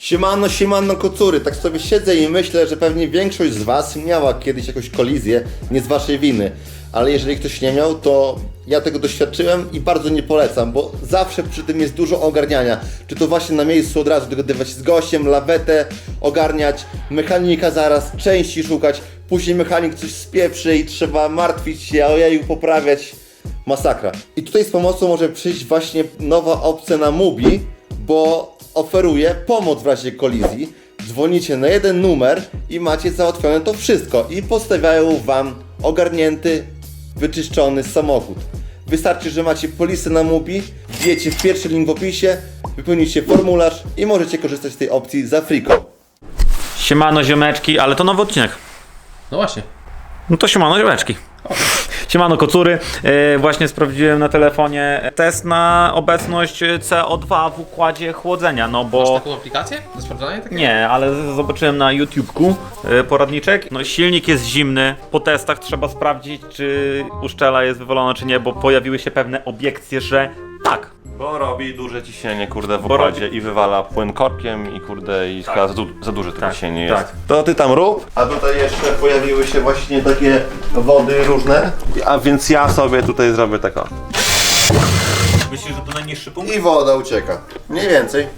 Siemano, siemano kocury, tak sobie siedzę i myślę, że pewnie większość z was miała kiedyś jakąś kolizję, nie z waszej winy. Ale jeżeli ktoś nie miał, to ja tego doświadczyłem i bardzo nie polecam, bo zawsze przy tym jest dużo ogarniania. Czy to właśnie na miejscu od razu dogadywać się z gościem, lawetę ogarniać, mechanika zaraz, części szukać, później mechanik coś spieprzy i trzeba martwić się, ojeju, poprawiać. Masakra. I tutaj z pomocą może przyjść właśnie nowa opcja na Mubi, bo oferuje pomoc w razie kolizji. Dzwonicie na jeden numer i macie załatwione to wszystko i postawiają wam ogarnięty, wyczyszczony samochód. Wystarczy, że macie polisę na Mubi, wbijecie w pierwszy link w opisie, wypełnicie formularz i możecie korzystać z tej opcji za friko. Siemano ziomeczki, ale to nowy odcinek. No właśnie. No to siemano ziomeczki. Siemano kocury. Właśnie sprawdziłem na telefonie test na obecność CO2 w układzie chłodzenia, no bo... Masz taką aplikację do sprawdzania takiego? Nie, ale zobaczyłem na YouTubeku poradniczek. No silnik jest zimny. Po testach trzeba sprawdzić, czy uszczela jest wywalona, czy nie, bo pojawiły się pewne obiekcje, że tak. Bo robi duże ciśnienie, kurde, w Bo układzie i wywala płyn korkiem i kurde, i chyba za duże to ciśnienie jest. Tak. To ty tam rób, a tutaj jeszcze pojawiły się właśnie takie wody różne. A więc ja sobie tutaj zrobię tak o. Myślisz, że to najniższy punkt? I woda ucieka. Mniej więcej.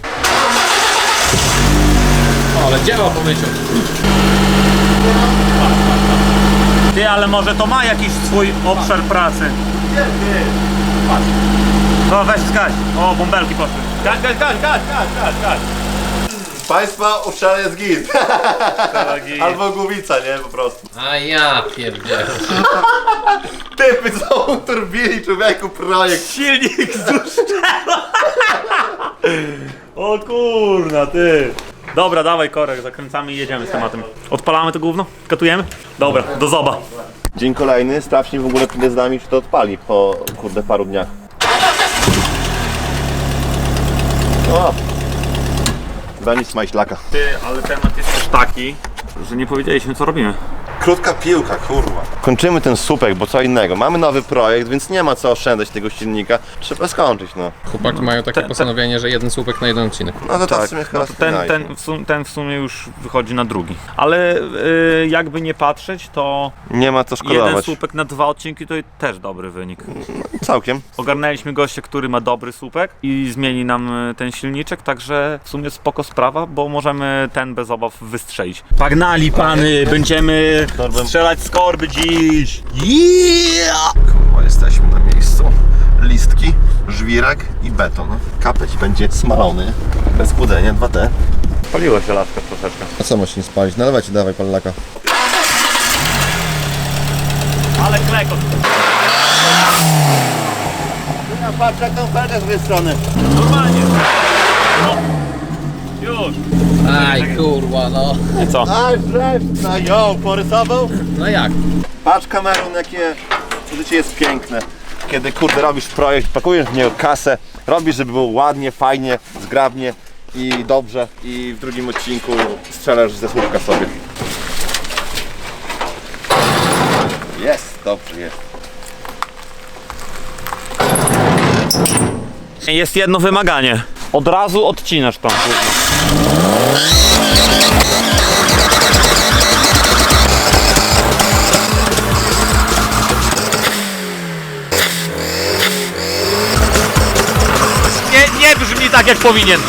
O, ale działa po myśleniu. Ty, ale może to ma jakiś swój obszar pracy. No weź skać. O, bąbelki poszły. Gaś. Państwa, uszczela jest git. Albo głowica, nie? Po prostu. A ja pierdzielę. Typy są turbili, człowieku, projekt. Silnik zuszczela. O kurna, ty. Dobra, dawaj korek, zakręcamy i jedziemy z tematem. Odpalamy to gówno? Katujemy? Dobra, do zoba. Dzień kolejny, sprawdźmy w ogóle przed nami, czy to odpali po, kurde, paru dniach. O! Za nic majślaka. Ty, ale temat jest też taki, że nie powiedzieliśmy co robimy. Krótka piłka, kurwa. Kończymy ten słupek, bo co innego. Mamy nowy projekt, więc nie ma co oszczędzać tego silnika. Trzeba skończyć, no. Chłopaki mają takie postanowienie, że jeden słupek na jeden odcinek. No to tak w sumie chyba Ten w sumie już wychodzi na drugi. Ale jakby nie patrzeć, to nie ma co jeden szkodować. słupek na 2 odcinki to też dobry wynik. Całkiem. Ogarnęliśmy gościa, który ma dobry słupek i zmieni nam ten silniczek, także w sumie spoko sprawa, bo możemy ten bez obaw wystrzelić. Pagnali pany, będziemy strzelać z korby dziś! Yeah! Kurwa, jesteśmy na miejscu. Listki, żwirek i beton. Kapeć będzie smalony. Bez chłodzenia, 2T. Paliło się laska troszeczkę. A co masz nie spalić? Nalewajcie, dawaj palaka. Ale klekot! Patrz jak tą felkę z drugiej strony. Normalnie! No. Już! Aj kurwa, no. I co? Aj, no ją, porysował? No jak? Patrz kamerą, jakie życie jest piękne. Kiedy kurde robisz projekt, pakujesz w niego kasę, robisz, żeby było ładnie, fajnie, zgrabnie i dobrze i w drugim odcinku strzelasz ze słupka sobie. Jest, dobrze jest. Jest jedno wymaganie. Od razu odcinasz tą. Nie brzmi tak jak powinien.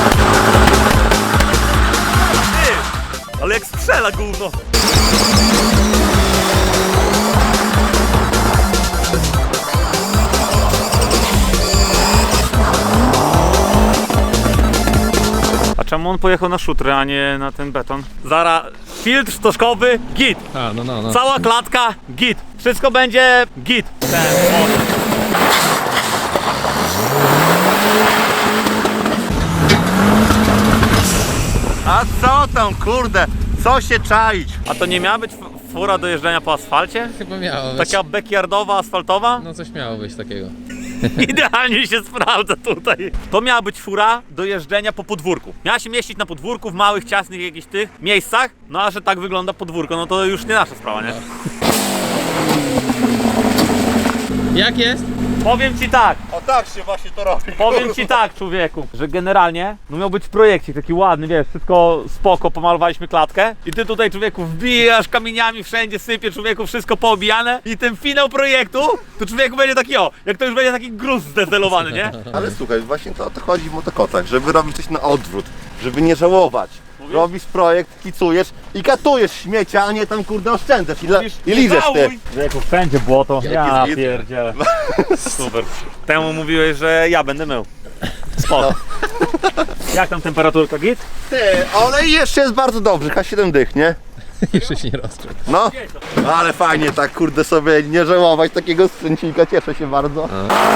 Ty, ale jak strzela gówno. A czemu on pojechał na szutry, a nie na ten beton? Zara, filtr stożkowy, git. A, no. Cała klatka, git. Wszystko będzie git. A co tam kurde, co się czaić? A to nie miała być fura do jeżdżenia po asfalcie? Chyba miało być. Taka backyardowa, asfaltowa? No coś miało być takiego. Idealnie się sprawdza tutaj. To miała być fura do jeżdżenia po podwórku. Miała się mieścić na podwórku w małych, ciasnych jakichś tych miejscach. No a że tak wygląda podwórko, no to już nie nasza sprawa, nie? Jak jest? Powiem ci tak, O tak się właśnie to robi. powiem ci tak, człowieku, że generalnie no miał być projekcik taki ładny, wiesz, wszystko spoko, pomalowaliśmy klatkę i ty tutaj, człowieku, wbijasz kamieniami wszędzie, sypie, człowieku, wszystko poobijane i ten finał projektu, to człowieku będzie taki jak to już będzie taki gruz zdezelowany, nie? Ale słuchaj, właśnie to o to chodzi w motokotach, żeby robić coś na odwrót, żeby nie żałować. Robisz projekt, kicujesz i katujesz śmiecia, a nie tam kurde oszczędzasz i lizesz ty. Człowieku, wszędzie błoto, ja jest? pierdzielę. Super. Temu mówiłeś, że ja będę mył. Spoko. Jak tam temperaturka, git? Ty, ale jeszcze jest bardzo dobrze, K7 dych, nie? Jeszcze się nie rozgrzał. No, ale fajnie tak kurde sobie nie żałować takiego sprzęcika, cieszę się bardzo.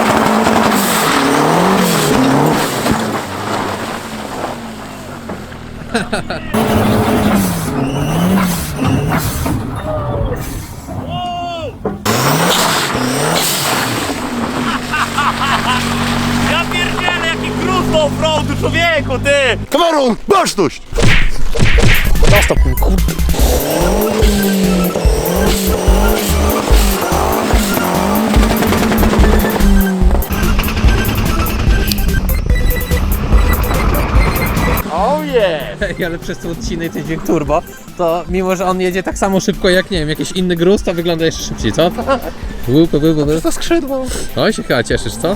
Ja pierdzielę, jaki gruz do offroadu, człowieku, ty! Kamerun, baczność! Oh yeah! Ej, ale przez ten odcinek ten dźwięk turbo, to mimo, że on jedzie tak samo szybko jak, nie wiem, jakiś inny gruz, to wygląda jeszcze szybciej, co? To skrzydło. Oj, się chyba cieszysz, co?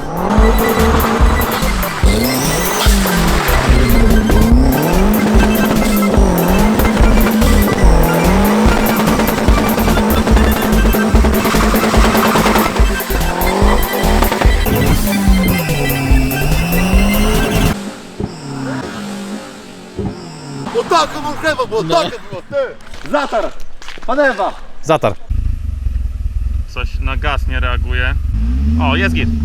Bo tak, mam chleba, bo tak było, ty! Zatar! Panewa! Zatar. Coś na gaz nie reaguje. O, jest git.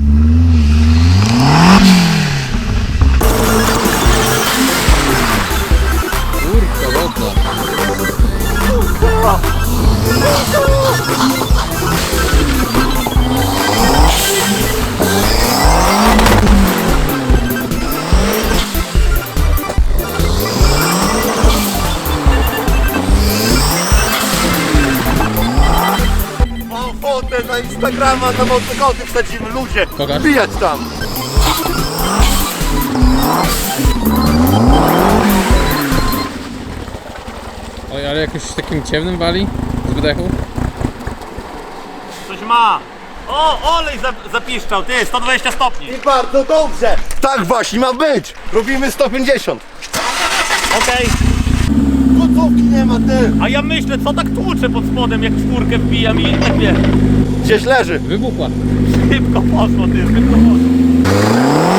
Kurka wodna. Mam fotę na Instagrama, na motokoty wsadzimy, ludzie! Pokaż. Wbijać tam! Oj, ale jakoś takim ciemnym wali z wydechu. Coś ma. O, olej zapiszczał, ty, 120 stopni. I bardzo dobrze! Tak właśnie ma być! Robimy 150! Okej. Gotówki nie ma, ty! A ja myślę, co tak tłuczę pod spodem, jak skórkę wbijam i tak wie. Gdzieś leży! Wybuchła. Szybko poszło, ty, szybko poszło.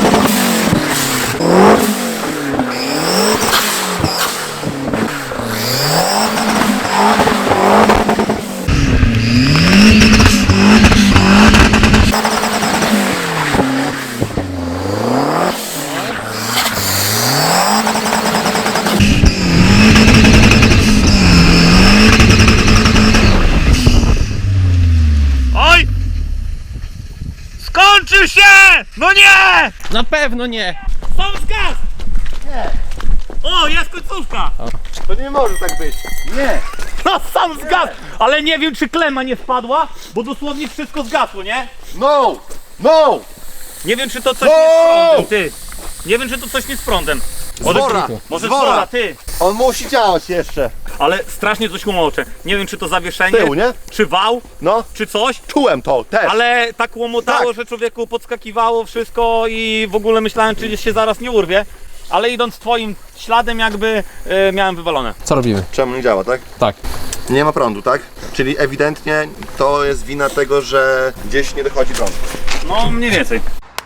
Oj! Skończył się! No nie! Na pewno nie! Sam zgas! Nie! O, jest końcówka! To nie może tak być! Nie! No sam zgasł! Ale nie wiem, czy klema nie spadła, bo dosłownie wszystko zgasło, nie? No! No! Nie wiem, czy to coś nie z prądem, ty. Nie wiem, czy to coś nie z prądem. Zwora! Może Zwora! zwora, ty. On musi działać jeszcze! Ale strasznie coś łomocze. Nie wiem, czy to zawieszenie, Tył, nie? czy wał, No! czy coś. Czułem to też! Ale tak łomotało, Tak. że człowieku podskakiwało wszystko i w ogóle myślałem, czy się zaraz nie urwie. Ale idąc twoim śladem jakby miałem wywalone. Co robimy? Czemu nie działa, tak? Tak. Nie ma prądu, tak? Czyli ewidentnie to jest wina tego, że gdzieś nie dochodzi prąd. No mniej więcej.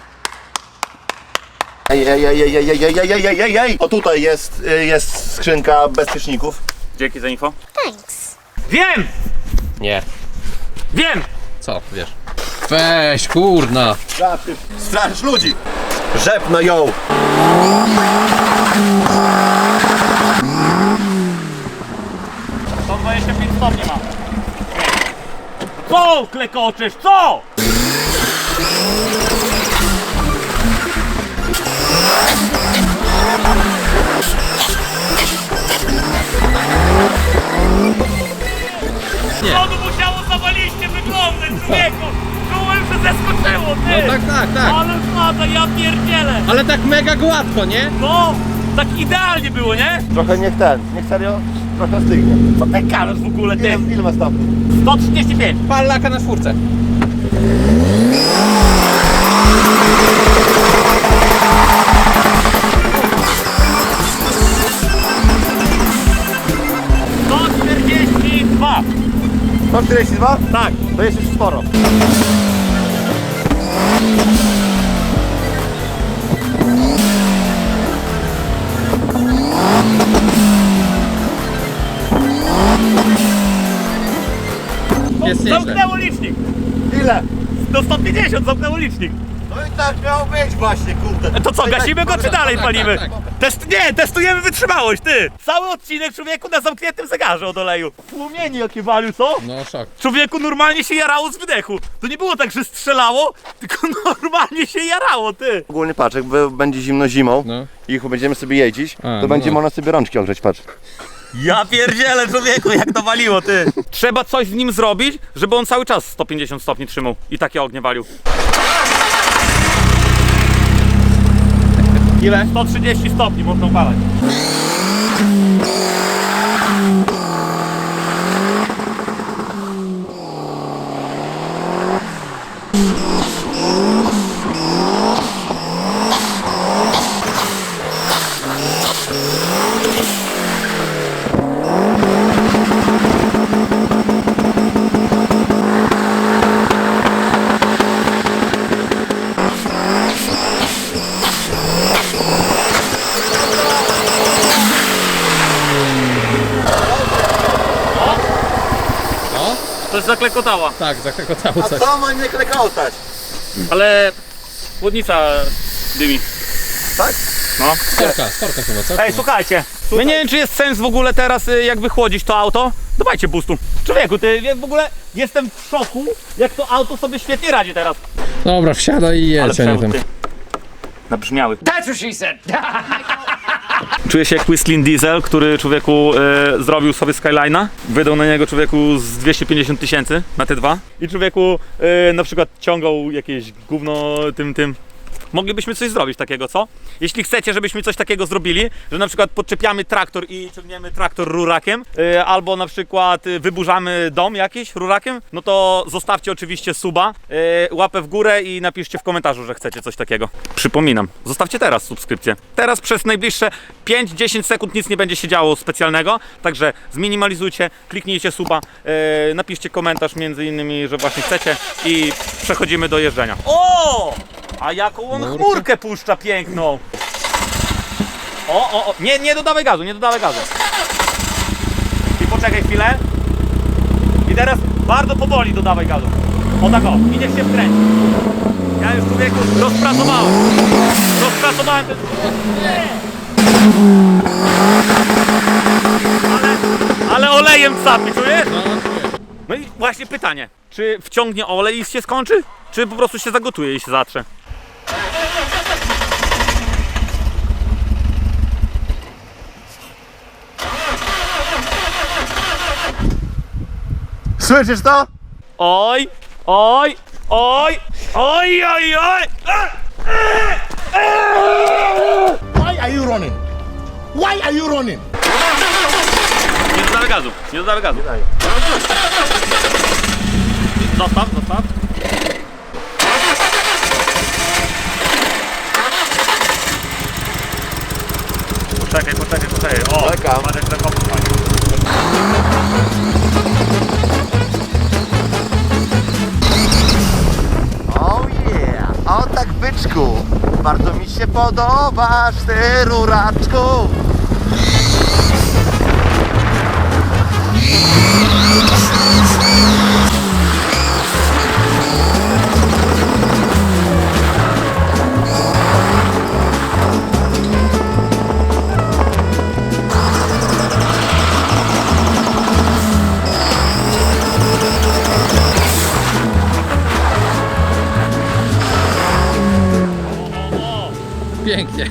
Ej! O tutaj jest skrzynka bezpieczników. Dzięki za info. Thanks. Wiem! Nie. Wiem! Co, wiesz? Weź, kurna! Straszysz ludzi! Rzepno ją! To 25 stopni ma. Co klekoczysz? Co? Nie. Co tu musiało zawaliście wyglądać, człowieku? Czułem, że zeskoczyło, ty! No tak. Ale spada, ja pierdzielę! Ale tak mega gładko, nie? No, tak idealnie było, nie? Trochę niech serio, trochę stygnie. Co ten kamerz w ogóle, ty? Ile ma stopni? 135. Pal laka na czwórce. Dwa. 142? Tak. To jest już sporo. Jest nieźle. Zamknęło licznik. Ile? Do 150 zamknęło licznik. No i tak miało być właśnie, kurde. To co, gasimy go czy dalej tak, palimy? tak. Nie, testujemy wytrzymałość, ty! Cały odcinek człowieku na zamkniętym zegarze od oleju. Płomieni jakie walił, co? No szok. Człowieku normalnie się jarało z wydechu. To nie było tak, że strzelało, tylko normalnie się jarało, ty. Ogólnie patrz, jakby będzie zimno zimą No. i będziemy sobie jeździć, A, to no będzie no. można sobie rączki ogrzeć, patrz. Ja pierdzielę, człowieku, jak to waliło, ty. Trzeba coś z nim zrobić, żeby on cały czas 150 stopni trzymał i takie ognie walił. Ile? 130 stopni można upalać. To jest zaklekotała, Tak, zakotało coś. Co ma nie klekotać? ale chłodnica dymi. Tak? No. Storka chyba, co? Ej, słuchajcie, my nie wiem, czy jest sens w ogóle teraz jak wychłodzić to auto. Dawajcie boostu. Człowieku, ty w ogóle jestem w szoku, jak to auto sobie świetnie radzi teraz. Dobra, wsiadaj i jedź, a nie tym. Nabrzmiały. That's what she said. Czuję się jak Whistling Diesel, który człowieku zrobił sobie Skyline'a. Wydał na niego człowieku z 250 000 na te dwa. I człowieku na przykład ciągał jakieś gówno tym. Moglibyśmy coś zrobić takiego, co? Jeśli chcecie, żebyśmy coś takiego zrobili, że na przykład podczepiamy traktor i ciągniemy traktor rurakiem, albo na przykład wyburzamy dom jakiś rurakiem, no to zostawcie oczywiście suba, łapę w górę i napiszcie w komentarzu, że chcecie coś takiego. Przypominam, zostawcie teraz subskrypcję. Teraz przez najbliższe 5-10 sekund nic nie będzie się działo specjalnego, także zminimalizujcie, kliknijcie suba, napiszcie komentarz między innymi, że właśnie chcecie i przechodzimy do jeżdżenia. O! A jaką on chmurkę puszcza piękną! O, nie dodawaj gazu, nie dodawaj gazu. I poczekaj chwilę. I teraz bardzo powoli dodawaj gazu. O tak o, i niech się wkręci. Ja już człowieku rozpracowałem ten... Ale olejem sapie, czujesz? No i właśnie pytanie, czy wciągnie olej i się skończy? Czy po prostu się zagotuje i się zatrze? Słyszysz to? Oj! Why are you running? Why are you running? Nie dodawaj gazu, nie dodawaj gazu. Zostaw. Poczekaj. O, Czekam. Marek zakopał fajnie. Oh yeah! O tak byczku! Bardzo mi się podobasz, ty ruraczku! Pięknie.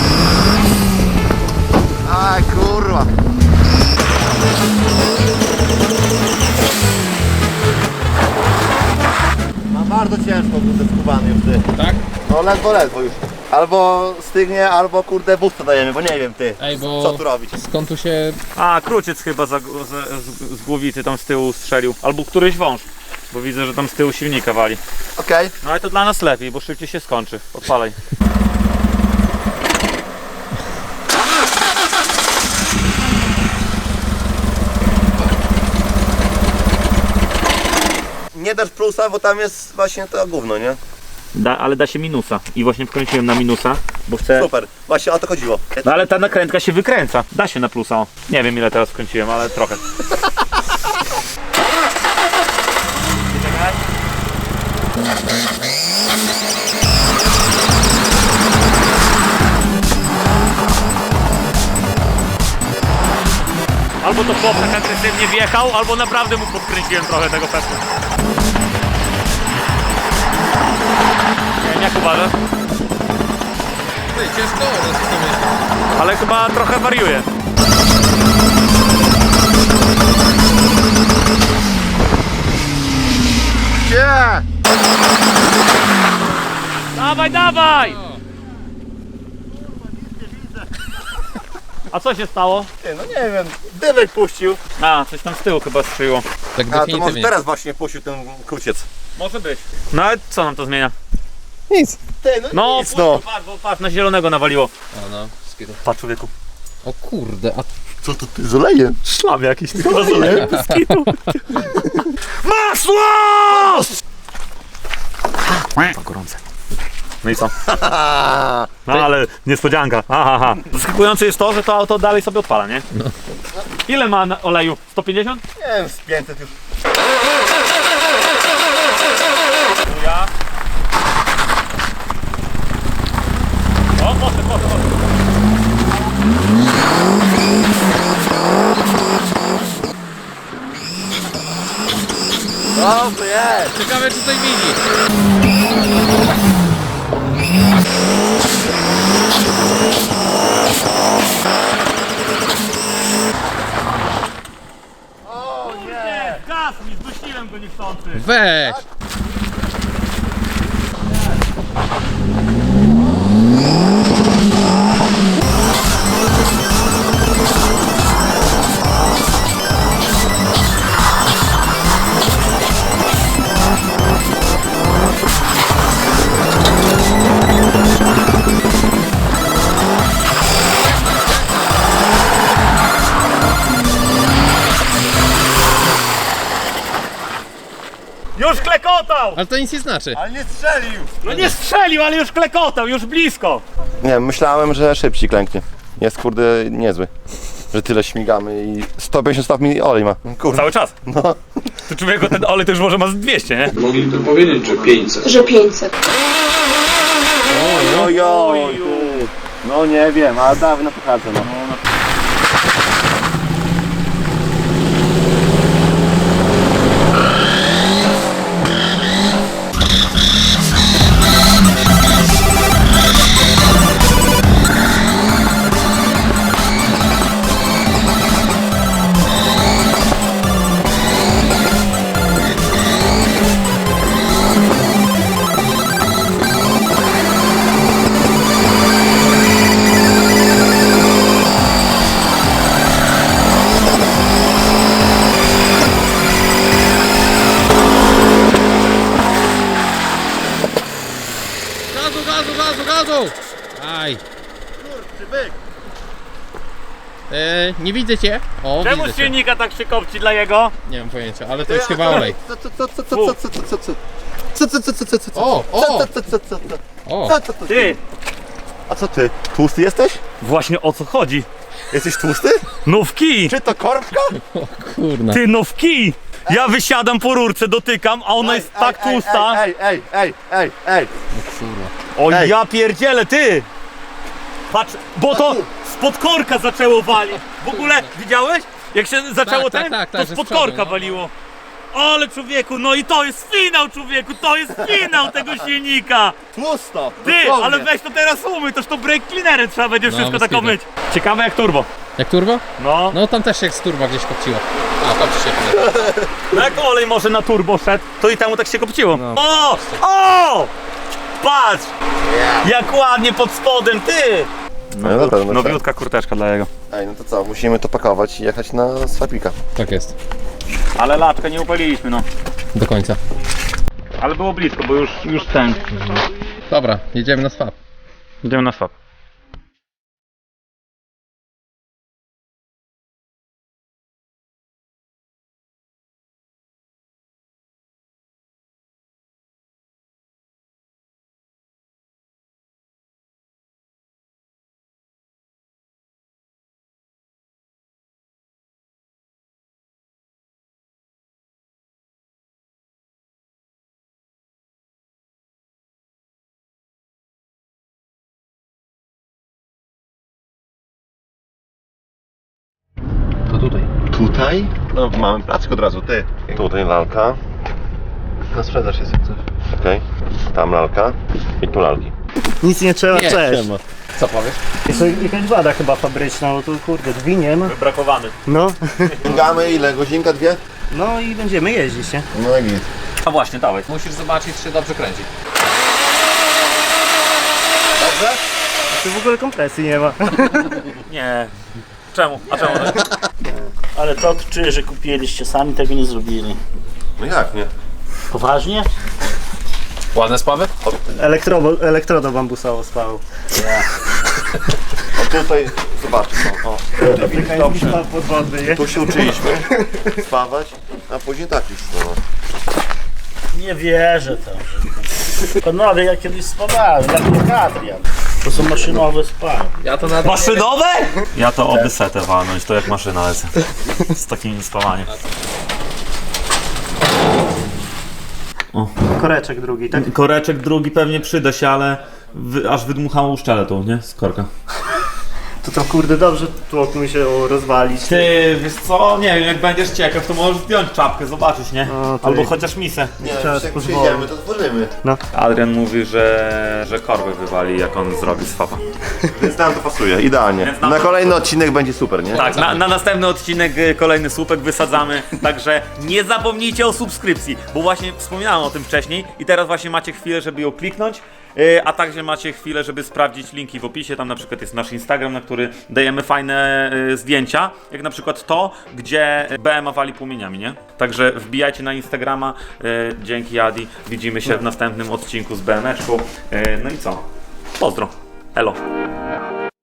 Aj kurwa! Bardzo cię ciężko, kurde, skubany już ty. Tak? No ledwo już. Albo stygnie, albo kurde busta dajemy, bo nie wiem ty, Ej, bo co tu robić. skąd tu się... A, kruciec chyba z głowicy tam z tyłu strzelił. Albo któryś wąż. Bo widzę, że tam z tyłu silnika wali. Okej. No ale to dla nas lepiej, bo szybciej się skończy. Odpalaj. Nie dasz plusa, bo tam jest właśnie to gówno, nie? Ale da się minusa. I właśnie wkręciłem na minusa, bo chcę... Super, właśnie o to chodziło. No ale ta nakrętka się wykręca. Da się na plusa. O. Nie wiem ile teraz wkręciłem, ale trochę. Albo to chłop tak agresywnie wjechał, albo naprawdę mu podkręciłem trochę tego pesu. Nie wiem, jak uważasz? Ciężko, ale Ale chyba trochę wariuje. Gdzie? Dawaj, dawaj! A co się stało? Ty, no nie wiem, dymek puścił. A, coś tam z tyłu chyba strzeliło. tak A to może definitywnie. teraz właśnie puścił ten kruciec. Może być. No ale co nam to zmienia? Nic. Ty, No, nic, no. patrz, bo patrz, na zielonego nawaliło. A no, skidu. Patrz, człowieku. O kurde, a Co to ty, z olejem? Szlam jakiś, tylko z olejem. Masło! To gorące. No i co? No ale niespodzianka. Aha. Zaskakujące jest to, że to auto dalej sobie odpala, nie? No. Ile ma oleju? 150? Nie wiem, z 500 już. Ja. O, poszedł. Dobrze jest. ciekawe czy coś widzi. Nie, gaz mi, zdusiłem go niechcący. Weź! Już klekotał! Ale to nic nie znaczy. Ale nie strzelił. No nie strzelił, ale już klekotał, już blisko. Nie, myślałem, że szybciej klęknie. Jest kurde niezły. Że tyle śmigamy i 150 stopni olej ma. Kurde. Cały czas. No. To człowieku, ten olej to już może ma z 200, nie? Mogliby powiedzieć, że 500. Że 500. Ojoj. No nie wiem, ale dawno pochodzę, no. Gazu! Aj. Nie widzę cię. O, Czemu widzę z cię. silnika tak się kopci dla jego? Nie mam pojęcia, ale to jest chyba olej. O! Ty, A co ty? Tłusty jesteś? właśnie o co chodzi? Jesteś tłusty? No w kij! Czy to korbka? Kurna. Ty, no w kij! Ja wysiadam po rurce, dotykam, a ona jest tak tłusta. Ej. O ej. ja pierdzielę, ty! Patrz, bo to spod korka zaczęło walić. W ogóle, widziałeś? Jak się zaczęło tak, to że spod z przodu, korka no. waliło. Ale człowieku, no i to jest finał, człowieku, to jest finał tego silnika. Tłusto. Ty, dosłownie. ale weź to teraz umyj, toż to brake cleanerem trzeba będzie No, wszystko bez tak kitu. myć. Ciekawe jak turbo. Jak turbo? No. No tam też jak z turba gdzieś kopciło. A, to ci się podoba. No jak olej może na turbo szedł, to i temu tak się kopciło. O! O! Patrz! Jak ładnie pod spodem, ty! No dobra, no Nowiutka kurteczka dla jego. Ej, no to co, musimy to pakować i jechać na swapika. Tak jest. Ale laczkę nie upaliliśmy, no. Do końca. Ale było blisko, bo już ten. Dobra, jedziemy na swap. Idziemy na swap. To tutaj. Tutaj? No mamy placek od razu, ty. Tutaj lalka. Na sprzedaż jest jak coś. Okej. Tam lalka. I tu lalki. Nic nie trzeba, Nie, cześć. Siema. Co powiesz? Jest to jakaś wada chyba fabryczna, bo tu kurde drzwi nie ma. Wybrakowany. No, Ściągamy ile? Godzinka, dwie? no i będziemy jeździć, nie? No i git. A właśnie, dawaj. Musisz zobaczyć, czy dobrze kręci. Tu w ogóle kompresji nie ma. Nie. Czemu? A czemu? Ale to czuję, że kupiliście, sami tego nie zrobili. No jak nie? Poważnie? Ładne sprawy? Elektrodo bambusowo spało. O tutaj, zobaczcie, o. Afrykański spa podwodny, nie? Tu się uczyliśmy spawać, a później tak już no. Nie wierzę tam. Panowie, ja kiedyś spadałem, jak Adrian. To są maszynowe spady. Ja to nawet Maszynowe? Ja to oby setę walnąć, to jak maszyna lecę. Z takim spawaniem. Koreczek drugi, tak? Koreczek drugi pewnie przyda się, ale aż wydmuchało uszczelę tą, nie? Z korka. To kurde dobrze tłok mi się rozwalić. Ty, wiesz co? Nie wiem, jak będziesz ciekaw, to możesz zdjąć czapkę, zobaczyć, nie? O, to Albo jest- chociaż misę. Nie, Trzeba już jak pozwolić. przyjedziemy, to tworzymy. Adrian mówi, że korbę wywali, jak on zrobi swapa. Więc nam to pasuje, idealnie. Więc nam Na to kolejny odcinek będzie super, nie? Tak, na następny odcinek kolejny słupek wysadzamy, także nie zapomnijcie o subskrypcji, bo właśnie wspominałem o tym wcześniej i teraz właśnie macie chwilę, żeby ją kliknąć, a także macie chwilę, żeby sprawdzić linki w opisie, tam na przykład jest nasz Instagram, na który dajemy fajne zdjęcia, jak na przykład to, gdzie BMA wali płomieniami, nie? Także wbijajcie na Instagrama, dzięki Adi, widzimy się w następnym odcinku z BM-eczką, no i co? Pozdro, elo.